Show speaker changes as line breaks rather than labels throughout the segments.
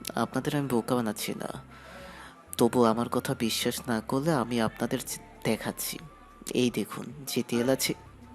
আপনাদের আমি বোকা বানাচ্ছি না। তবু আমার কথা বিশ্বাস না করলে আমি আপনাদের দেখাচ্ছি। এই দেখুন যে তেল আছে,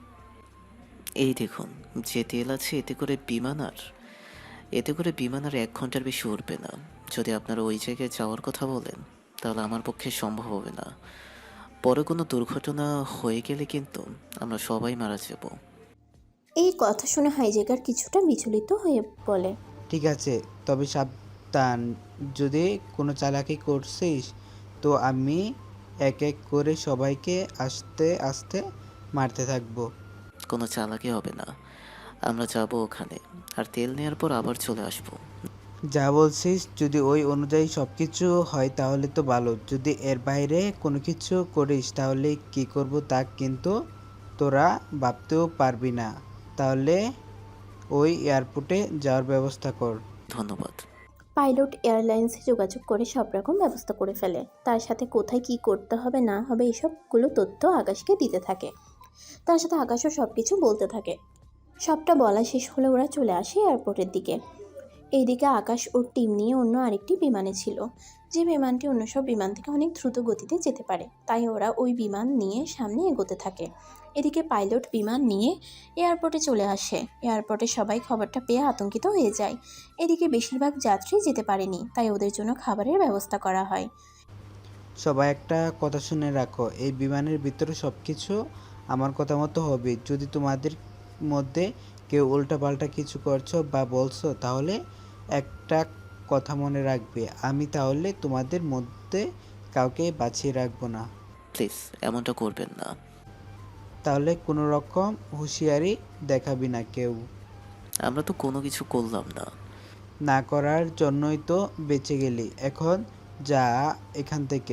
এই দেখুন যে তেল আছে, এতে করে বিমান আর 1 ঘন্টার বেশি উড়বে না। যদি আপনারা ওই জায়গায় যাওয়ার কথা বলেন তাহলে আমার পক্ষে সম্ভব হবে না। পরে কোনো দুর্ঘটনা হয়ে গেলে কিন্তু আমরা সবাই মারা যাব।
এই কথা শুনে হাইজ্যাকার কিছুটা বিচলিত হয়ে বলে,
ঠিক আছে, তবে সাবধান। যদি কোনো চালাকি করছিস তো আমি এক এক করে সবাইকে আস্তে আস্তে মারতে থাকবো।
কোনো চালাকি হবে না। আমরা যাব ওখানে, আর তেল নেওয়ার পর আবার চলে আসবো।
যা বলছিস যদি ওই অনুযায়ী সব কিছু হয় তাহলে তো ভালো। যদি এর বাইরে কোনো কিছু করিস তাহলে কি করব তা কিন্তু তোরা ভাবতেও পারবি না। তাহলে ওই এয়ারপোর্টে যাওয়ার ব্যবস্থা কর।
ধন্যবাদ।
পাইলট এয়ারলাইন্সে যোগাযোগ করে সব রকম ব্যবস্থা করে ফেলে। তার সাথে কোথায় কি করতে হবে না হবে এসবগুলো তথ্য আকাশকে দিতে থাকে। তার সাথে আকাশও সব কিছু বলতে থাকে। সবটা বলা শেষ হলে ওরা চলে আসে এয়ারপোর্টের দিকে। এইদিকে আকাশ ওর টিম নিয়ে অন্য আরেকটি বিমানে ছিল, যে বিমানটি অন্য সব বিমান থেকে অনেক দ্রুত গতিতে যেতে পারে। তাই ওরা ওই বিমান নিয়ে সামনে এগোতে থাকে। এদিকে পাইলট বিমান নিয়ে এয়ারপোর্টে চলে আসে। এয়ারপোর্টে সবাই খবরটা পেয়ে আতঙ্কিত হয়ে যায়। এদিকে বেশিরভাগ যাত্রী যেতে পারেনি, তাই ওদের জন্য খাবারের ব্যবস্থা করা হয়।
সবাই একটা কথা শুনে রাখো, এই বিমানের ভিতরে সব কিছু আমার কথা মতো হবে। যদি তোমাদের মধ্যে কেউ উল্টাপাল্টা কিছু করছো বা বলছো তাহলে একটা কথা মনে রাখবে, আমি তাহলে তোমাদের মধ্যে কাউকে বাঁচিয়ে রাখবো না।
প্লিজ এমনটা করবেন না।
তাহলে কোনো রকম হুঁশিয়ারি দেখাবি না কেউ।
আমরা তো কোনো কিছু করলাম না।
না করার জন্যই তো বেঁচে গেলি। এখন যা এখান থেকে।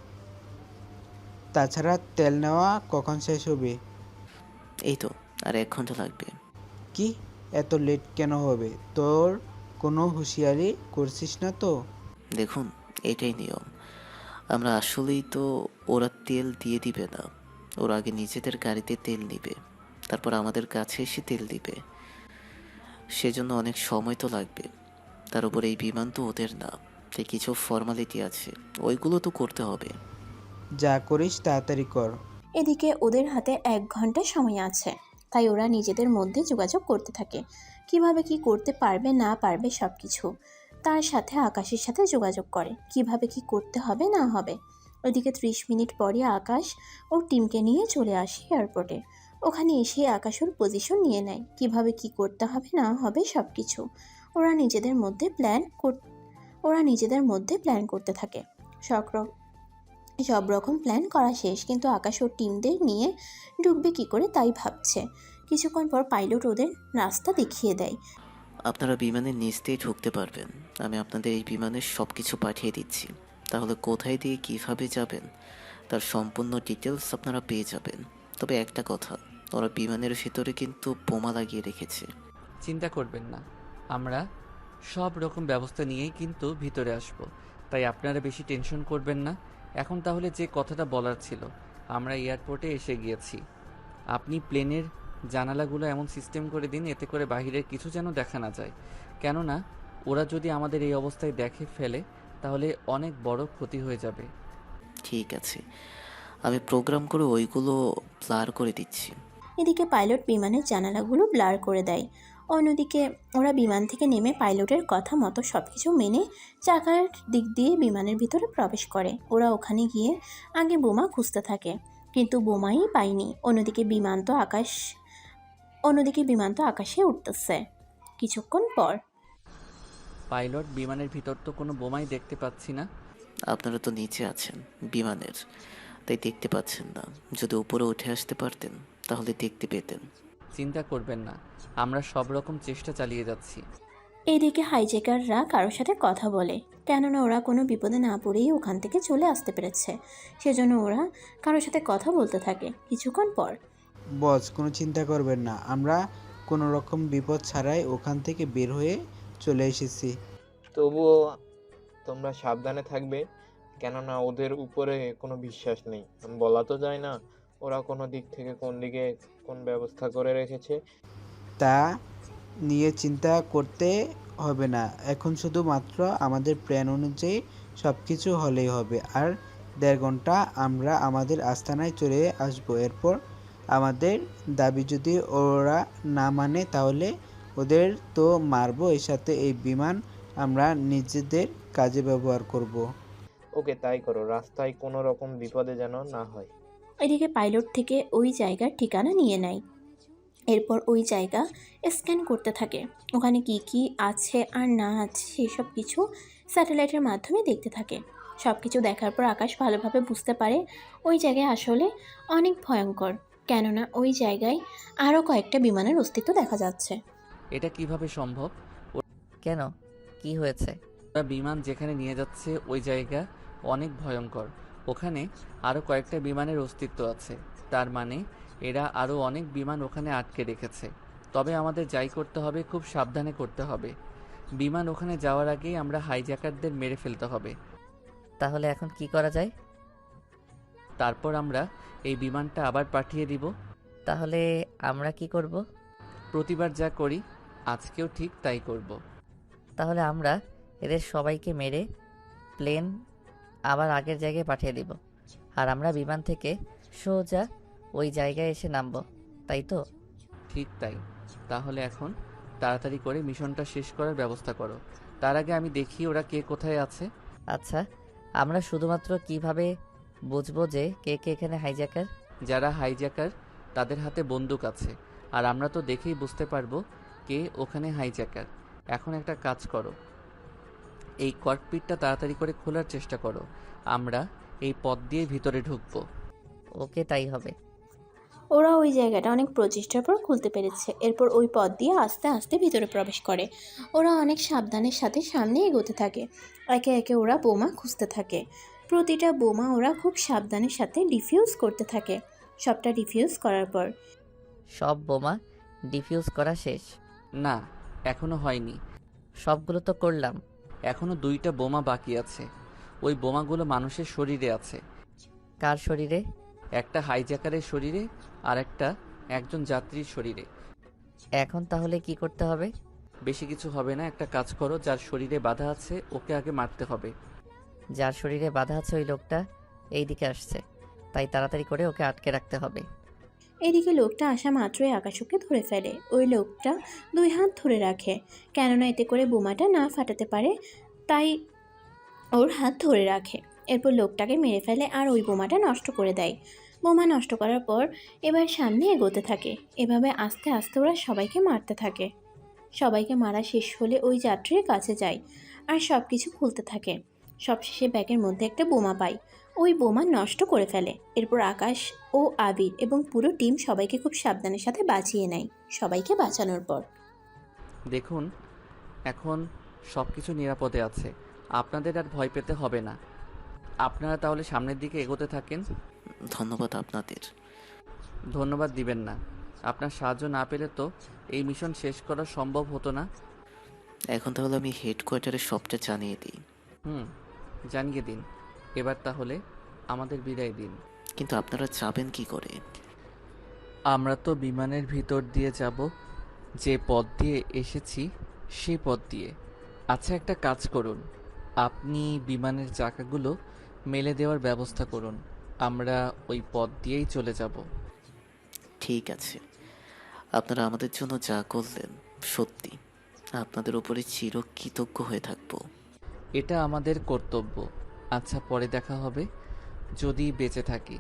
তাছাড়া তেল নেওয়া কখন শেষ হবে?
এই তো আর 1 ঘন্টা লাগবে।
কি, এত লেট কেন হবে? তোর কোনো হুঁশিয়ারি করছিস না তো?
দেখুন, এটাই নিয়ম। আমরা আসলেই তো, ওরা তেল দিয়ে দিবে না। ওরা আগে নিজেদের গাড়িতে তেল নিবে, তারপর আমাদের কাছে এসে তেল দিবে। সেজন্য অনেক সময় তো লাগবে। তার উপর এই বিমান তো ওদের না, তাই কিছু ফর্মালিটি আছে, ওইগুলো তো করতে হবে।
যা করিস তাড়াতাড়ি কর।
এদিকে ওদের হাতে 1 ঘন্টা সময় আছে, তাই ওরা নিজেদের মধ্যে যোগাযোগ করতে থাকে কিভাবে কি করতে পারবে না পারবে সব কিছু। তার সাথে আকাশের সাথে যোগাযোগ করে কিভাবে কি করতে হবে না হবে। ওইদিকে 30 মিনিট পরে আকাশ ওর টিমকে নিয়ে চলে আসে এয়ারপোর্টে। ওখানে এসে আকাশ ওর পজিশন নিয়ে নেয় কিভাবে কি করতে হবে না হবে সব কিছু। ওরা নিজেদের মধ্যে প্ল্যান ওরা নিজেদের মধ্যে প্ল্যান করতে থাকে। সক্র সব রকম প্ল্যান করা শেষ, কিন্তু আকাশ ওর টিমদের নিয়ে ঢুকবে কি করে তাই ভাবছে। কিছুক্ষণ পর পাইলট ওদের রাস্তা দেখিয়ে দেয়।
আপনারা বিমানের নিচ দিয়ে ঢুকতে পারবেন। আমি আপনাদের এই বিমানের সব কিছু পাঠিয়ে দিচ্ছি। তাহলে কোথায় দিয়ে কিভাবে যাবেন তার সম্পূর্ণ ডিটেলস আপনারা পেয়ে যাবেন। তবে একটা কথা, ওরা বিমানের ভিতরে কিন্তু বোমা লাগিয়ে রেখেছে।
চিন্তা করবেন না, আমরা সব রকম ব্যবস্থা নিয়েই কিন্তু ভিতরে আসব। তাই আপনারা বেশি টেনশন করবেন না। এখন তাহলে যে কথাটা বলার ছিল, আমরা এয়ারপোর্টে এসে গিয়েছি। আপনি প্লেনের জানালাগুলো এমন সিস্টেম করে দিন এতে করে বাহিরের কিছু যেন দেখা না যায়। কেননা ওরা যদি আমাদের এই অবস্থায় দেখে ফেলে তাহলে অনেক বড় ক্ষতি হয়ে যাবে।
ঠিক আছে, আমি প্রোগ্রাম করে ওইগুলো ব্লার করে দিচ্ছি।
এদিকে পাইলট বিমানের জানালাগুলো ব্লার করে দেয়। অন্যদিকে ওরা বিমান থেকে নেমে পাইলটের কথা মতো সবকিছু মেনে চাকার দিক দিয়ে বিমানের ভিতরে প্রবেশ করে। ওরা ওখানে গিয়ে আগে বোমা খুঁজতে থাকে, কিন্তু বোমাই পায়নি। অন্যদিকে বিমান তো আকাশে উঠতেছে। কিছুক্ষণ পর
পাইলট, বিমানের ভিতর তো কোনো বোমাই দেখতে পাচ্ছি না।
আপনারা তো নিচে আছেন বিমানের, তাই দেখতে পাচ্ছেন না। যদি উপরে উঠে আসতে পারতেন তাহলে দেখতে পেতেন।
চিন্তা করবেন না, আমরা সব রকম চেষ্টা চালিয়ে যাচ্ছি।
এইদিকে হাইজ্যাকাররা কারোর সাথে কথা বলে, কেননা ওরা কোনো বিপদে না পড়েই ওখান থেকে চলে আসতে পেরেছে। সেজন্য ওরা কারোর সাথে কথা বলতে থাকে। কিছুক্ষণ পর
বস, কোনো চিন্তা করবেন না, আমরা কোনো রকম বিপদ ছাড়াই ওখান থেকে বের হয়ে চলে এসেছি।
তবুও তোমরা সাবধানে থাকবে, কেননা ওদের উপরে কোনো বিশ্বাস নেই। বলা তো যায় না ওরা কোনো দিক থেকে কোন দিকে কোন ব্যবস্থা করে রেখেছে।
তা নিয়ে চিন্তা করতে হবে না। এখন শুধুমাত্র আমাদের প্ল্যান অনুযায়ী সব কিছু হলেই হবে। আর ১.৫ ঘন্টা আমরা আমাদের আস্তানায় চলে আসবো। এরপর আমাদের দাবি যদি ওরা না মানে তাহলে ওদের তো মারবো, এর সাথে এই বিমান আমরা নিজেদের কাজে ব্যবহার করব।
ওকে, তাই করো। রাস্তায় কোনো রকম বিপদে যেন না হয়।
এদিকে পাইলট থেকে ওই জায়গার ঠিকানা নিয়ে নেয়। এরপর ওই জায়গা স্ক্যান করতে থাকে। ওখানে কি কি আছে আর না আছে সেসব কিছু স্যাটেলাইটের মাধ্যমে দেখতে থাকে। সব কিছু দেখার পর আকাশ ভালোভাবে বুঝতে পারে ওই জায়গায় আসলে অনেক ভয়ঙ্কর, কেননা ওই জায়গায় আরও কয়েকটা বিমানের অস্তিত্ব দেখা যাচ্ছে।
এটা কিভাবে সম্ভব?
কেন, কি হয়েছে?
ওরা বিমান যেখানে নিয়ে যাচ্ছে ওই জায়গা অনেক ভয়ঙ্কর। ওখানে আরও কয়েকটা বিমানের অস্তিত্ব আছে। তার মানে এরা আরও অনেক বিমান ওখানে আটকে রেখেছে। তবে আমাদের যাই করতে হবে খুব সাবধানে করতে হবে। বিমান ওখানে যাওয়ার আগেই আমরা হাইজ্যাকারদের মেরে ফেলতে হবে।
তাহলে এখন কি করা যায়?
তারপর আমরা এই বিমানটা আবার পাঠিয়ে দিব।
তাহলে আমরা কি করব?
প্রতিবার যা করি আজকেও ঠিক তাই করব।
তাহলে আমরা এদের সবাইকে মেরে প্লেন আবার আগের জায়গায় পাঠিয়ে দিব, আর আমরা বিমান থেকে সোজা ওই জায়গায় এসে নামবো, তাই তো?
ঠিক তাই। তাহলে এখন তাড়াতাড়ি করে মিশনটা শেষ করার ব্যবস্থা করো। তার আগে আমি দেখি ওরা কে কোথায় আছে।
আচ্ছা, আমরা শুধুমাত্র কিভাবে বুঝবো যে কে কে এখানে হাইজ্যাকার?
যারা হাইজ্যাকার তাদের হাতে বন্দুক আছে, আর আমরা তো দেখেই বুঝতে পারবো কে ওখানে হাইজ্যাকার। এখন একটা কাজ করো, এই ককপিটটা তাড়াতাড়ি করে খোলার চেষ্টা করো। আমরা এই পথ দিয়ে ভিতরে ঢুকবো।
ওকে, তাই হবে।
ওরা ওই জায়গাটা অনেক প্রচেষ্টার পর খুলতে পেরেছে। এরপর ওই পথ দিয়ে আস্তে আস্তে ভিতরে প্রবেশ করে। ওরা অনেক সাবধানের সাথে সামনে এগোতে থাকে। একে একে ওরা বোমা খুঁজতে থাকে। প্রতিটা বোমা ওরা খুব সাবধানের সাথে ডিফিউজ করতে থাকে। সবটা ডিফিউজ করার পর
সব বোমা ডিফিউজ করা শেষ?
না, এখনো হয়নি।
সবগুলো তো করলাম।
এখনো 2টা বোমা বাকি আছে। ওই বোমাগুলো মানুষের শরীরে আছে।
কার শরীরে?
একটা হাইজ্যাকারের শরীরে, আর একটা একজন যাত্রীর শরীরে।
এখন তাহলে কি করতে হবে?
বেশি কিছু হবে না, একটা কাজ করো, যার শরীরে বাধা আছে ওকে আগে মারতে হবে।
যার শরীরে বাধা আছে ওই লোকটা এই দিকে আসছে, তাই তাড়াতাড়ি করে ওকে আটকে রাখতে হবে।
এদিকে লোকটা আসা মাত্রই আকাশকে ধরে ফেলে। ওই লোকটা 2 হাত ধরে রাখে, কেননা এতে করে বোমাটা না ফাটাতে পারে, তাই ওর হাত ধরে রাখে। এরপর লোকটাকে মেরে ফেলে আর ওই বোমাটা নষ্ট করে দেয়। বোমা নষ্ট করার পর এবার সামনে এগোতে থাকে। এভাবে আস্তে আস্তে ওরা সবাইকে মারতে থাকে। সবাইকে মারা শেষ হলে ওই যাত্রীর কাছে যায় আর সব কিছু খুলতে থাকে। সবশেষে ব্যাগের মধ্যে একটা বোমা পায়। ওই বোমা নষ্ট করে ফেলে। এরপর আকাশ ও আবির এবং পুরো টিম সবাইকে খুব সাবধানের সাথে বাঁচিয়ে নেয়। সবাইকে বাঁচানোর পর
দেখুন, এখন সব কিছু নিরাপদে আছে। আপনাদের আর ভয় পেতে হবে না। আপনারা তাহলে সামনের দিকে এগোতে থাকেন।
ধন্যবাদ আপনাদের।
ধন্যবাদ দিবেন না। আপনার সাহায্য না পেলে তো এই মিশন শেষ করা সম্ভব হতো না।
এখন তাহলে আমি হেডকোয়ার্টারে সবটা জানিয়ে দিই।
জানিয়ে দিন। এবার তাহলে আমাদের বিদায় দিন।
কিন্তু আপনারা যাবেন কি করে?
আমরা তো বিমানের ভিতর দিয়ে যাব, যে পথ দিয়ে এসেছি সেই পথ দিয়ে। আচ্ছা, একটা কাজ করুন, আপনি বিমানের চাকাগুলো মেলে দেওয়ার ব্যবস্থা করুন। আমরা ওই পথ দিয়েই চলে যাব।
ঠিক আছে। আপনারা আমাদের জন্য যা করলেন, সত্যি আপনাদের উপরে চিরকৃতজ্ঞ হয়ে থাকবো।
এটা আমাদের কর্তব্য। আচ্ছা, পরে দেখা হবে, যদি বেঁচে থাকি।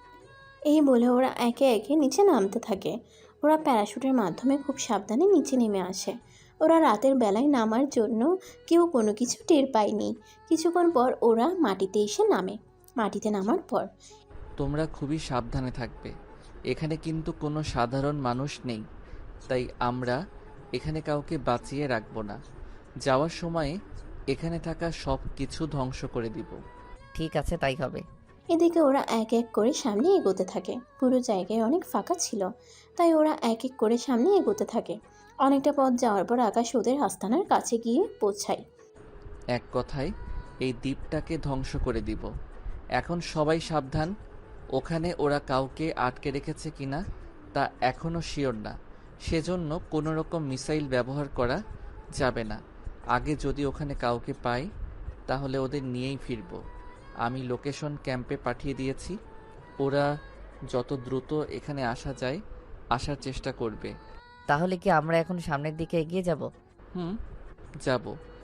এই বলে ওরা একে একে নিচে নামতে থাকে। ওরা প্যারাশুটের মাধ্যমে খুব সাবধানে নিচে নেমে আসে। ওরা রাতের বেলায় নামার জন্য কেউ কোনো কিছু টের পায়নি। কিছুক্ষণ পর ওরা মাটিতে এসে নামে। মাটিতে নামার পর
তোমরা খুবই সাবধানে থাকবে। এখানে কিন্তু কোনো সাধারণ মানুষ নেই, তাই আমরা এখানে কাউকে বাঁচিয়ে রাখবো না। যাওয়ার সময়ে এখানে থাকা সব কিছু ধ্বংস করে দিব।
ঠিক আছে, তাই হবে।
এদিকে ওরা এক এক করে সামনে এগোতে থাকে। পুরো জায়গায় অনেক ফাঁকা ছিল, তাই ওরা এক এক করে সামনে এগোতে থাকে। অনেকটা পথ যাওয়ার পর আকাশ ওদের আস্তানার কাছে গিয়ে পৌঁছায়।
এক কথায় এই দ্বীপটাকে ধ্বংস করে দিব। এখন সবাই সাবধান। ওখানে ওরা কাউকে আটকে রেখেছে কিনা তা এখনও শিওর না, সেজন্য কোনো রকম মিসাইল ব্যবহার করা যাবে না। আগে যদি ওখানে কাউকে পাই তাহলে ওদের নিয়েই ফিরব। আমি লোকেশন ক্যাম্পে পাঠিয়ে দিয়েছি, ওরা যত দ্রুত এখানে আসা যায় আসার চেষ্টা করবে।
তাহলে কি আমরা এখন সামনের দিকে এগিয়ে যাব?
হুম, যাব।